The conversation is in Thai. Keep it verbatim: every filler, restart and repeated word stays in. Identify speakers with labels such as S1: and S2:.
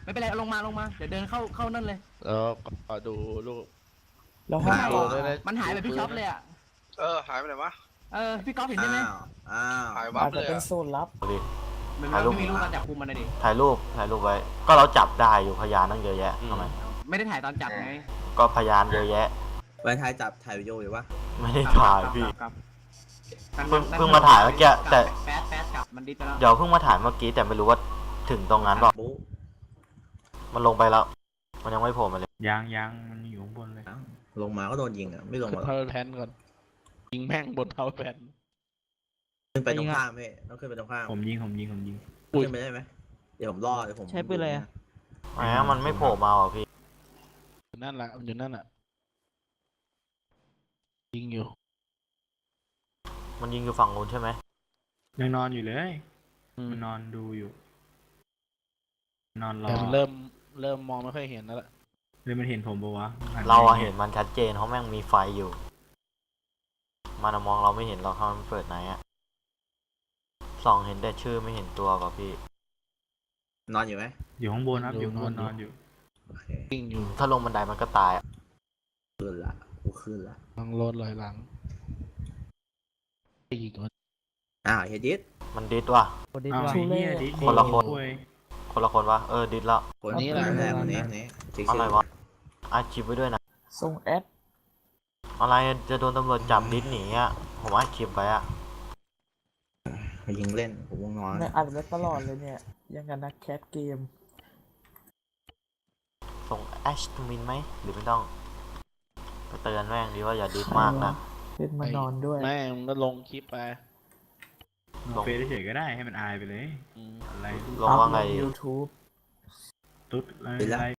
S1: ไม่เป็นไรเอาลงมาลงมาเดี๋ยวเดินเข้าเข้านั่นเลย
S2: แล้วก็ดูลูก
S3: แล้วห้อง
S1: หาย
S3: ก่อน
S1: มันหายแบบพี่ช็อปเลยอ่ะ
S4: เออหายไปไหนวะ
S1: เออพี่ก๊อฟเห็นได้ไหม
S5: อ้าว
S4: หายวั
S3: อา
S4: บ
S3: จ
S4: เล
S3: จะ
S4: ย
S3: เป็น
S4: อะ
S3: โซนลับ
S1: มัน
S6: ถ่ายรูป
S1: ไม่มีรูปการจับกุมมันเลยดิ
S6: ถ่ายรูปถ่ายรูปไว้ ก็เราจับได้อยู่พยานตั้งเยอะแยะทำไม
S1: ไม่ได้ถ่ายตอนจับไง
S6: ก็พยานเยอะแยะ
S5: ไว้ถ่ายจับถ่ายวิดีโออยู่วะ
S6: ไม่ได้ถ่ายพี่
S1: ครับ
S6: เพิ่งเพิ่งมาถ่ายเมื่อกี้แต่
S1: แป๊ดแป๊ดกลับมันดิสไปแล้ว
S6: เดี๋ยวเพิ่งมาถ่ายเมื่อกี้แต่ไม่รู้ว่าถึงตรงนั้นเปล่า
S5: บุ๊
S6: มันลงไปแล้ว มันยังไม่โผล่มาเลย
S7: ยังยังมันอยู่ข้างบนเลย
S5: อ้าวลงมาก็โดนยิงอ่ะไม่ลง
S2: ขึ้
S5: มาน หรอก
S2: พาวเวอร์แพนก่อนยิงแม่งบนพาวเวอร์แพน
S5: ขึ้นไปตรงข้ามพี่ต้องขึ้นไปตรงข้าม
S7: ผมยิงผมยิงผมยิง
S5: ขึ้นไปได้ไหมเดี๋ยวผมรอเดี๋ยวผม
S3: ใช้ปืนอะไรอะ
S6: แหมมันไม่โผล่มาอ่ะพี่
S2: อยู่นั่นแหละมันอยู่นั่นอ่ะยิงอยู่
S6: มันยิงอยู่ฝั่งนู้นใช่ไหม
S7: ยังนอนอยู่เลย
S2: อืม
S7: มันนอนดูอยู่ นอนรอ
S2: แต่มันเริ่มเริ่มมองไม่ค่อยเห็นแล้วล่ะ
S7: เลยมันเห็นผมปะวะหันไป
S6: เราอะเห็นมันชัดเจนเพราะแม่งมีไฟอยู่ มันอะมองเราไม่เห็นเราถ้ามันเปิดไหนอะส่องเห็นแต่ชื่อไม่เห็นตัวป่ะพี่
S5: นอนอยู่ไหม
S7: อยู่ข้างบนครับอยู่ข้างบนนอนอยู่
S5: โอเค
S2: ยิงอยู่
S6: ถ้าลงบันไดมันก็ตายอะ
S5: ขึ้นละกูขึ้นละ
S2: ลังรถลอยหลังยิงก่อน
S5: อ้าวเฮดิส
S6: มันดิสว่ะ
S7: อ้าวไอ้เหี้ยดิ
S6: คนละคน
S7: โอ้ย
S6: คนละคนวะเออดิสแล้ว
S5: คนนี้แหละคนแรกคนนี้คนนี้จริง
S6: อะไรวะอาชีพไว้ด้วยนะ
S3: ทรงแอด
S6: อะไรจะโดนตำรวจจับดิสหนีอะผมอาชีพไว้อะ
S5: มายิงเล่นผมวงนอน
S3: เนี่ยอัดไว้ตลอดเลยเนี่ย ยังกันนักแคสเกม
S6: ส่งแอชมินไหมหรือไม่ต้องไปเตือนแม่งดีว่าอย่าดิสมากนะ
S3: เล่นมานอนด้วย
S2: แม่งมันก็ลงคลิปไป
S7: ลงเฟซเฉยๆก็ได้ให้มันอายไปเลย
S2: อืม
S7: อะไร
S6: ลงว่าไง
S3: ยูทูบ
S7: ตุ๊ดอะไร